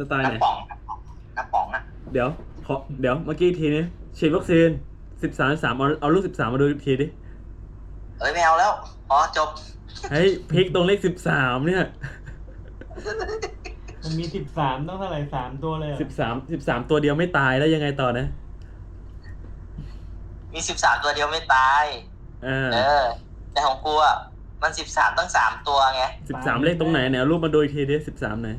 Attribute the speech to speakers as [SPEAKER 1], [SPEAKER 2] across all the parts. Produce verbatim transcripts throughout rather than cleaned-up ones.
[SPEAKER 1] ไตล์ไหน
[SPEAKER 2] น้ำป๋องน้ำป๋องอ่ะ
[SPEAKER 1] เดี๋ยวขอเดี๋ยวเมื่อกี้ทีนี้ฉีดวัคซีนสิบสามสามเอาเอาลูกสิบสามมาดูอีกทีดิ
[SPEAKER 2] เอ้ยไม่เอาแล้วอ๋อจบ
[SPEAKER 1] เฮ้ยพลิกตรงเลขสิบสามเนี่ย
[SPEAKER 3] มันมีสิบสามต้องเท่าไหร่สามตัวเลย
[SPEAKER 1] สิบสามสิบสามตัวเดียวไม่ตายแล้วยังไงต่อนะ
[SPEAKER 2] มีสิบสามตัวเดียวไม่ตาย
[SPEAKER 1] เออ
[SPEAKER 2] เออแต่ของกูอ่ะมันสิบสามตั้งสามตัวไง
[SPEAKER 1] สิบสามเลขตรงไหนเนี่ยเอารูปมาดูอีกทีดิสิบสามไหน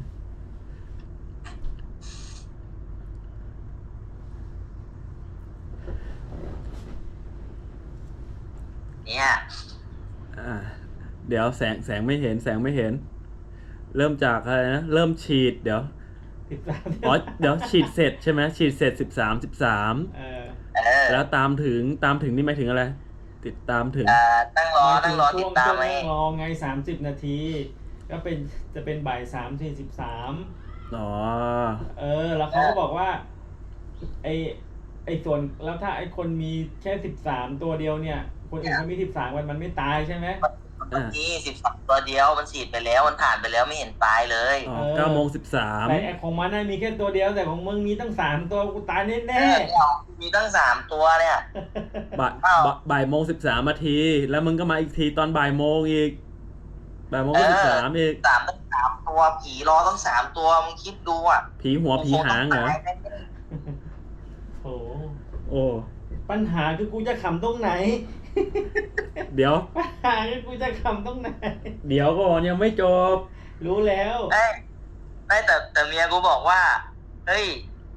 [SPEAKER 2] เนี่ย
[SPEAKER 1] อ่าเดี๋ยวแสงแสงไม่เห็นแสงไม่เห็น เริ่มจากอะไรนะเริ่มฉีดเดี๋ยว
[SPEAKER 3] สิบสาม
[SPEAKER 1] อ๋อเดี๋ยวฉีดเสร็จใช่ไหมฉีดเสร็จสิบสามสิบสาม
[SPEAKER 3] เออ
[SPEAKER 2] เออ
[SPEAKER 1] แล้วตามถึงตามถึงนี่หมายถึงอะไรติดตามถึง
[SPEAKER 2] อ่าตั้งรอตั้งรอติดตามไหม
[SPEAKER 3] รอไงสามสิบนาทีก็เป็นจะเป็นบ่ายสามสี่สิบสาม
[SPEAKER 1] อ๋อ
[SPEAKER 3] เออแล้วเขาก็บอกว่าไอไอส่วนแล้วถ้าไอคนมีแค่สิบสามตัวเดียวเนี่ยคนอื่นเขามีสิบสามวันมันไม่ตายใช่ไหม
[SPEAKER 2] นี่สิบสองตัวเดียวมันฉีดไปแล้วมันผ่านไปแล้วไม่เห็นตายเลย
[SPEAKER 1] อ๋อเก้าโมงสิบสาม
[SPEAKER 3] แต่ของมันน่ะมีแค่ตัวเดียวแต่ของมึงมีตั้งสามตัวกูตายแน่แน่
[SPEAKER 2] มีตั้งสามตัวเนี่ย
[SPEAKER 1] บ่ายบ่ายโมงสิบสามนาทีแล้วมึงก็มาอีกทีตอนบ่ายโมงอีกบ่ายโมงสิบสามอีก
[SPEAKER 2] สามตั้งสามตัวผีรอตั้งสามตัวมึงคิดดูอ่ะ
[SPEAKER 1] ผีหัวผีหางเหรอ
[SPEAKER 3] โอ้
[SPEAKER 1] โอ้
[SPEAKER 3] ปัญหาคือกูจะขำตรงไหน
[SPEAKER 1] เดี๋ยว
[SPEAKER 3] ปัญหาคือกูจะขำตรงไหน
[SPEAKER 1] เดี๋ยวก่อนยังไม่จบ
[SPEAKER 3] รู้แล้ว
[SPEAKER 2] ไอ้ไม่แต่แต่เมียกูบอกว่าเฮ้ย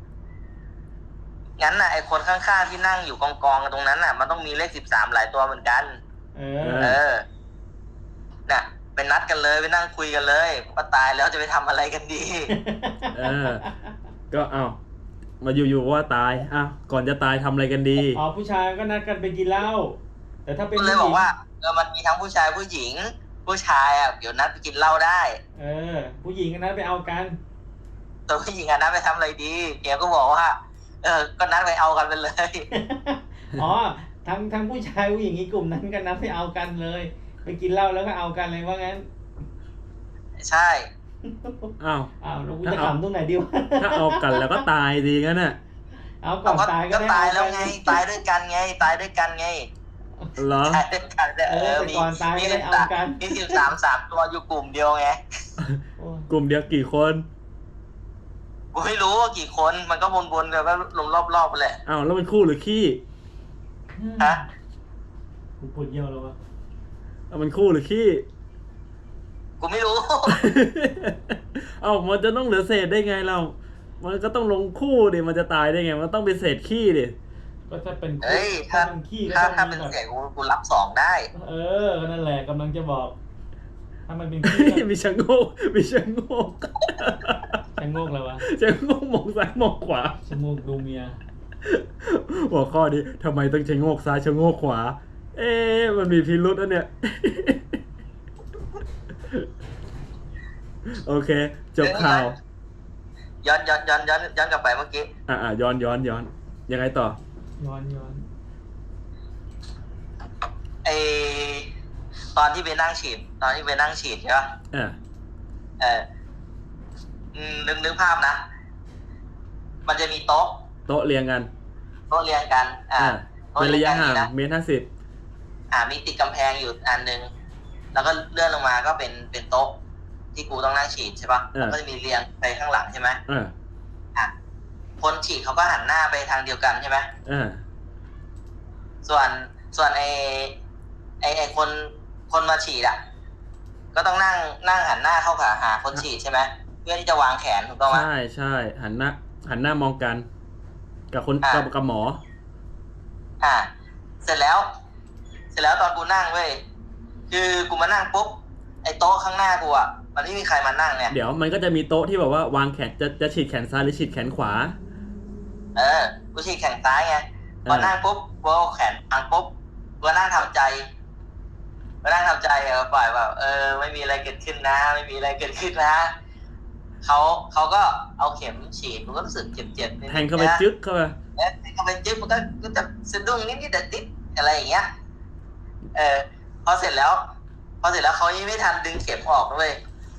[SPEAKER 2] งั้นน่ะไอ้คนข้างๆที่นั่งอยู่กองกองกันตรงนั้นน่ะมันต้องมีเลขสิบสามหลายตัวเหมือนกัน
[SPEAKER 3] เอ
[SPEAKER 2] อเออน่ะไปนัดกันเลยไปนั่งคุยกันเลยว่าตายแล้วจะไปทำอะไรกันดี
[SPEAKER 1] เออก็เอามาอยู่ๆว่าตายอ่ะก่อนจะตายทำอะไรกันดี
[SPEAKER 3] อ๋อผู้ชายก็นัดกันไปกินเหล้าแต่ถ้าเป็น
[SPEAKER 2] เลยบอกว่าเออมันมีทั้งผู้ชายผู้หญิงผู้ชายอ่ะเดี๋ยวนัดไปกินเหล้าได้
[SPEAKER 3] เออผู้หญิงก็นัดไปเอากัน
[SPEAKER 2] แต่ผู้หญิงอ่ะนัดไปทำอะไรดีเดี๋ยวก็บอกว่าเออก็นัดไปเอากันไปเลย
[SPEAKER 3] อ๋อทั้งทั้งผู้ชายผู้หญิงอีกกลุ่มนั้นก็นัดไปเอากันเลยไปกินเหล้าแล้วก็เอากันเลยว่างั้น
[SPEAKER 2] ใช่
[SPEAKER 1] อ้าว
[SPEAKER 3] อ้าวเราจะขำตรงไหนดีวะ
[SPEAKER 1] ถ้าเอากันแล้วก็ตายดีงั้นน่ะ
[SPEAKER 3] เอาก่อนตาย
[SPEAKER 2] ก็ตายแล้วไงตายด้วยกันไงตายด้วยกันไง
[SPEAKER 1] เหรอ
[SPEAKER 2] ตายด้วยกันเออมีมีสิบสามมีสิบสามสามตัวอยู่กลุ่มเดียวไง
[SPEAKER 1] กลุ่มเดียวกี่คน
[SPEAKER 2] กูไม่รู้ว่ากี่คนมันก็วนๆกันก็ลงรอบๆไปแหละ
[SPEAKER 1] อ้าวแล้วมันคู่หรือขี้
[SPEAKER 2] ฮะ
[SPEAKER 3] กูปวดเยี่ยวแล้ววะ
[SPEAKER 1] เอามันคู่หรือขี้
[SPEAKER 2] กูไม่รู้
[SPEAKER 1] เอ้ามันจะต้องเหลือเศษได้ไงเรามันก็ต้องลงคู่ดิมันจะตายได้ไงมันต้องเป็นเศษขี้ดิ
[SPEAKER 3] ก็ถ้าเป็น
[SPEAKER 2] เฮ้ยถ้าเป็นขี้ถ้าถ้าเป็นเศษกูกูรับสองได้
[SPEAKER 3] เออนั่นแหละกำลังจะบอกถ้ามันเป็นขี้
[SPEAKER 1] มีชะโงกมีชะโงก
[SPEAKER 3] ชะโงกแล้ววะ
[SPEAKER 1] ชะโงกมองซ้ายมองขวา
[SPEAKER 3] ชะโงกดูเมีย
[SPEAKER 1] หัวข้อนี้ทำไมต้องชะโงกซ้ายชะโงกขวาเอ๊ะมันมีพิรุธนะเนี่ยโอเคจบข่าว
[SPEAKER 2] ย้อนย้อนย้อนย้อนย้อนกลับไปเมื่อกี้
[SPEAKER 1] อ่าอ่าย้อนย้อนย้อนยังไงต่อ
[SPEAKER 3] ย้อนย้อน
[SPEAKER 2] ไอตอนที่ไปนั่งฉีดตอนที่ไปนั่งฉีดใช่ป่ะ
[SPEAKER 1] อ่า
[SPEAKER 2] เออนึกนึกภาพนะมันจะมีโต๊ะ
[SPEAKER 1] โต๊ะเรียงกัน
[SPEAKER 2] โต๊ะเรียงกันอ่า
[SPEAKER 1] เป็นระยะห่างเมตรห้าสิบ
[SPEAKER 2] อ่ามีติดกำแพงอยู่อันนึงแล้วก็เลื่อนลงมาก็เป็นเป็นโต๊ะที่กูต้องนั่งฉีดใช่ป่ะแล้วก็จะมีเรียงไปข้างหลังใช่ไหมอ่าคนฉีดเขาก็หันหน้าไปทางเดียวกันใช่ไหม
[SPEAKER 1] อ่า
[SPEAKER 2] ส่วนส่วนไอไอไอคนคนมาฉีดอ่ะก็ต้องนั่งนั่งหันหน้าเข้าหาหาคนฉีดใช่ไหมเพื่อที่จะวางแขนถูกต้องไหม
[SPEAKER 1] ใช่ใช่หันหน้าหันหน้ามองกันกับคนกับกับหมอ
[SPEAKER 2] อ่าเสร็จแล้วเสร็จแล้วตอนกูนั่งเว้ยคือกูมานั่งปุ๊บไอ้โต๊ะข้างหน้ากูอ่ะมันไม่มีใครมานั่งเนี่ย
[SPEAKER 1] เดี๋ยวมันก็จะมีโต๊ะที่แบบว่าวางแขนจะจะฉีดแขนซ้ายหรือฉีดแขนขวา
[SPEAKER 2] เออกูฉีดแขนซ้ายไงพอนั่งปุ๊บกูเอาแขนวางปุ๊บกูนั่งทำใจกูนั่งทำใจเออปล่อยแบบเออไม่มีอะไรเกิดขึ้นนะไม่มีอะไรเกิดขึ้นนะเขาเขาก็เอาเข็มฉีดกูก็รู้สึกเจ็บๆ
[SPEAKER 1] แทงเข้าไปจึ๊กเข้าไป
[SPEAKER 2] แทงเข้าไปจึ๊กมันก็ก็จะสะดุ้งนิดนิดแต่ติดอะไรอย่างเงี้ยเออพอเสร็จแล้วพอเสร็จแล้วเขายังไม่ทันดึงเข็มออกด้วยค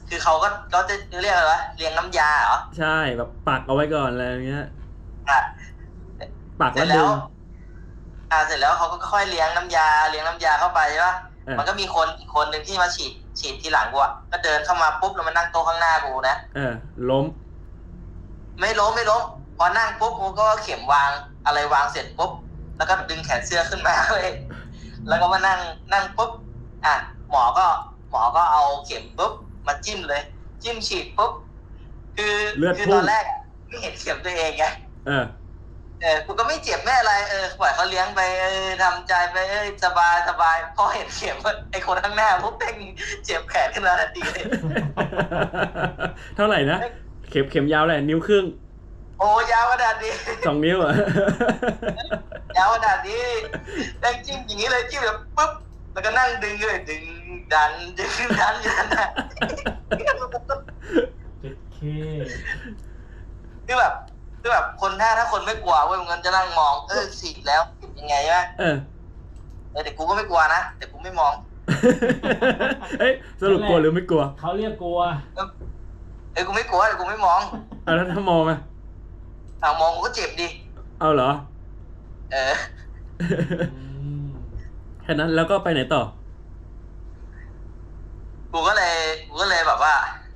[SPEAKER 2] คือเขาก็เขาจะเรียกอะไรวะเรียงน้ำยาเหรอ
[SPEAKER 1] ใช่แบบปักเอาไว้ก่อนอะไรอย่างเงี้ย
[SPEAKER 2] อ่ะ
[SPEAKER 1] ปัก
[SPEAKER 2] เสร็
[SPEAKER 1] แล้ว
[SPEAKER 2] จ
[SPEAKER 1] ดึ
[SPEAKER 2] แล้ว
[SPEAKER 1] ง
[SPEAKER 2] อ่าเสร็จแล้วเขาก็ค่อยเลี้ยงน้ำยาเลี้ยงน้ำยาเข้าไปใช่ปะ
[SPEAKER 1] เออ
[SPEAKER 2] มันก็มีคนอีกคนหนึ่งที่มาฉีดฉีดทีหลังกูอ่ะก็เดินเข้ามาปุ๊บแล้วมานั่งโต๊ะข้างหน้ากูนะ
[SPEAKER 1] เออล้ม
[SPEAKER 2] ไม่ล้มไม่ล้มพอนั่งปุ๊บกูก็เข็มวางอะไรวางเสร็จปุ๊บแล้วก็ดึงแขนเสื้อขึ้นมาเลยแล้วก็มานั่งนั่งปุ๊บอ่ะหมอก็หมอก็เอาเข็มปุ๊บมาจิ้มเลย จิ้มฉีดปุ๊บคือ
[SPEAKER 1] เลือด
[SPEAKER 2] คือ
[SPEAKER 1] พุ่
[SPEAKER 2] ตอง นแรกอะไม่เห็นเข็มตัวเองไง
[SPEAKER 1] เออ
[SPEAKER 2] เออกูก็ไม่เจ็บไม่อะไรเออปล่อยเขาเลี้ยงไปเออทำใจไปเออสบายสบายพอเห็นเข็มไอ้คนข้างหน้าปุ๊บเพ่งเจ็บแขนขึ้นมาทันทีเลย
[SPEAKER 1] เท่าไหร่นะเข็มเข็มยาวแหละนิ้วครึ่ง
[SPEAKER 2] โอ้ยาวขนาดนี้
[SPEAKER 1] สองนิ้วอ่ะ
[SPEAKER 2] ยาวขนาดนี้แม่งจิ้มอย่างนี้เลยจิ้มแบบปุ๊บแล้วก็นั่งดึงเลยดึงดันดึงดันอยู่นั่นน่ะ
[SPEAKER 3] เจ็ดเค
[SPEAKER 2] คือแบบคือแบบคนถ้าถ้าคนไม่กลัวเว้ยมันจะนั่งมองเออฉีดแล้วยังไงวะ
[SPEAKER 1] เออ
[SPEAKER 2] เออแต่กูก็ไม่กลัวนะแต่กูไม่มอง
[SPEAKER 1] เอ้ยสรุปกลัวหรือไม่กลัว
[SPEAKER 3] เขาเรียกกลัว
[SPEAKER 2] เออกูไม่กลัวแต่กูไม่มอง
[SPEAKER 1] เอาแล้วถ้ามองอ่ะ
[SPEAKER 2] เอามองกูก็เจ็บดิ
[SPEAKER 1] เอาเหรอ
[SPEAKER 2] เออ
[SPEAKER 3] อืม
[SPEAKER 1] แค่นั้นแล้วก็ไปไหนต่อ
[SPEAKER 2] กูก็เลยกูก็เลยแบบว่า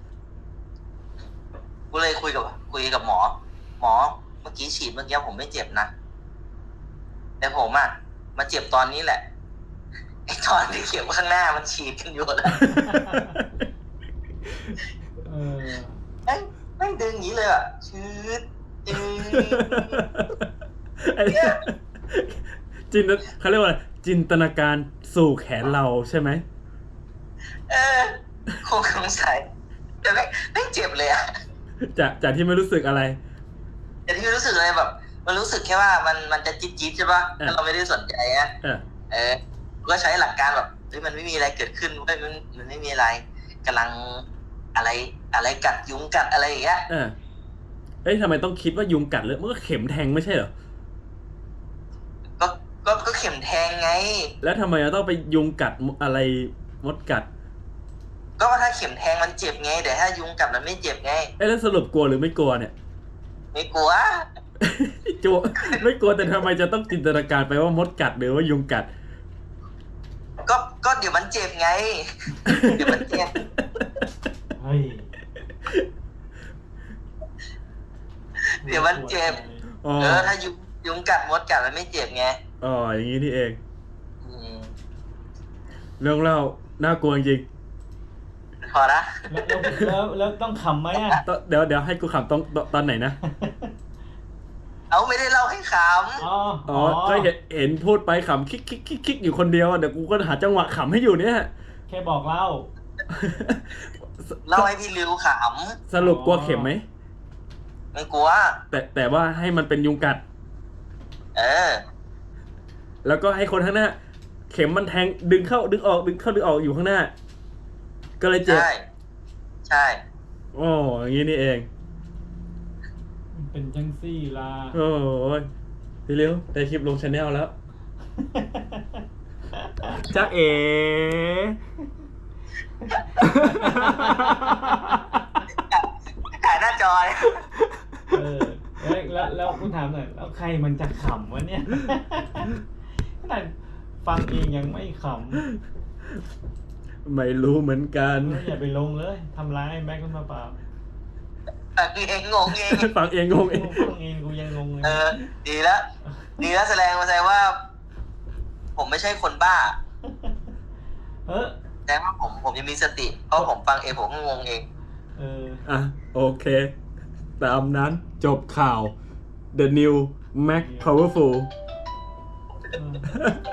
[SPEAKER 2] กูเลยคุยกับคุยกับหมอ หมอเมื่อกี้ฉีดเมื่อกี้ผมไม่เจ็บนะ แต่ผมอ่ะมาเจ็บตอนนี้แหละ ไอ้ตอนที่เข็มข้างหน้ามันฉีดกันอยู่แล้ว
[SPEAKER 3] เออ
[SPEAKER 2] แม่งแม่งดึงอย่างนี้เลยอ่ะชืดจืด
[SPEAKER 1] ไอ้จินตเขาเรียกว่าอะไรจินตนาการสู่แขนเราใช่ไหม
[SPEAKER 2] เออคงสงสัยแต่แม่งแม่งเจ็บเลยอ่ะ
[SPEAKER 1] จากจากที่ไม่รู้สึกอะไร
[SPEAKER 2] แต่ที่รู้สึกเลยแบบ มันรู้สึกแค่ว่ามันมันจะจี๊ดจี๊ดใช่ปะถ้าเราไม่ได้สนใจอ่ะ
[SPEAKER 1] เออ
[SPEAKER 2] เออก็ใช้หลักการแบบเฮ้ยมันไม่มีอะไรเกิดขึ้นเว้ยมันมันไม่มีอะไรกำลังอะไรอะไรกัดยุงกัดอะไรอย่างเงี้ย
[SPEAKER 1] เออเอ้ยทำไมต้องคิดว่ายุงกัดเลยมันก็เข็มแทงไม่ใช่เหรอ
[SPEAKER 2] ก็ก็ก็เข็มแทงไง
[SPEAKER 1] แล้วทำไมเราต้องไปยุงกัดอะไรมดกัด
[SPEAKER 2] ก็ว่าถ้าเข็มแทงมันเจ็บไงแต่ถ้ายุงกัดมันไม่เจ็บไง
[SPEAKER 1] เอ้ยแล้วสรุปกลัวหรือไม่กลัวเนี่ย
[SPEAKER 2] ไม่กลัว
[SPEAKER 1] จัวไม่กลัวแต่ทำไมจะต้องจินตนาการไปว่ามดกัดหรือว่ายุงกัด
[SPEAKER 2] ก็ก็เดี๋ยวมันเจ็บไง เดี๋ยวมันเจ็บ
[SPEAKER 3] เฮ้ย
[SPEAKER 2] เดี๋ยวมันเจ็บ
[SPEAKER 1] อ๋อ
[SPEAKER 2] เออถ้ายุงยุงกัดมดกัดมันไม่เจ็บไง
[SPEAKER 1] อ๋ออย่างนี้นี่เอง
[SPEAKER 2] อืม
[SPEAKER 1] เรื่องเล่าน่ากลัวจริง
[SPEAKER 2] พอละ
[SPEAKER 3] แล้วแล้วแล้วต้องขำไหมอ่ะ
[SPEAKER 1] ตอนเดี๋ยวเดี๋ยวให้กูขำตอนตอนไหนนะ
[SPEAKER 2] เอาไม่ได้เล่าให้ข
[SPEAKER 3] อ๋อ
[SPEAKER 1] อ๋อก็เห็นเห็นพูดไปขำคิกคิกคิกคิกอยู่คนเดียวอะเดี๋ยวกูก็หาจังหวะขำให้อยู่เนี่ย
[SPEAKER 3] แค่บอกเล่า
[SPEAKER 2] ำเล่าให้พี่ริวข
[SPEAKER 1] สรุปกลัวเข็มไหม
[SPEAKER 2] ำไม่กลัว
[SPEAKER 1] แต่แต่ว่าให้มันเป็นยุงกัด
[SPEAKER 2] เออ
[SPEAKER 1] แล้วก็ให้คนข้างหน้า เข็มมันแทงดึงเข้าดึงออกดึงเข้าดึงออกอยู่ข้างหน้า ก็เลยเจ็บ
[SPEAKER 2] ใช่ ใช่
[SPEAKER 1] โอ้อย่างนี้นี่เอง
[SPEAKER 3] มันเป็นจังซี่ล่ะ
[SPEAKER 1] โอ้ยพี่เร็วได้คลิปลงชาแนลแล้วจ้าเอ๋
[SPEAKER 2] ถ่ายหน้าจอเลย
[SPEAKER 3] เออแล้วแล้วแล้วคุณถามหน่อยแล้วใครมันจะขำวะเนี่ยขนาดฟังเองยังไม่ข
[SPEAKER 1] ไม่รู้เหมือนกัน
[SPEAKER 3] ำอย่าไปลงเลยทำร้ายแม็กซ์ขึ้นมาเปล่า
[SPEAKER 2] แต่คือเองงงเอง
[SPEAKER 1] ฟังเองงงเอง
[SPEAKER 3] ฟังเองกูยังงงเลย
[SPEAKER 2] เออ ดีแล้ว ดีแล้วแสดงมาแสดงว่า ผมไม่ใช่คนบ้า
[SPEAKER 3] เออ
[SPEAKER 2] แสดงว่าผมผมยังมีสติ เพราะผมฟังเองผมก็งงเอง
[SPEAKER 3] เออ
[SPEAKER 1] อ่ะโอเค ตามนั้นจบข่าว The New Mac Powerful
[SPEAKER 3] เออ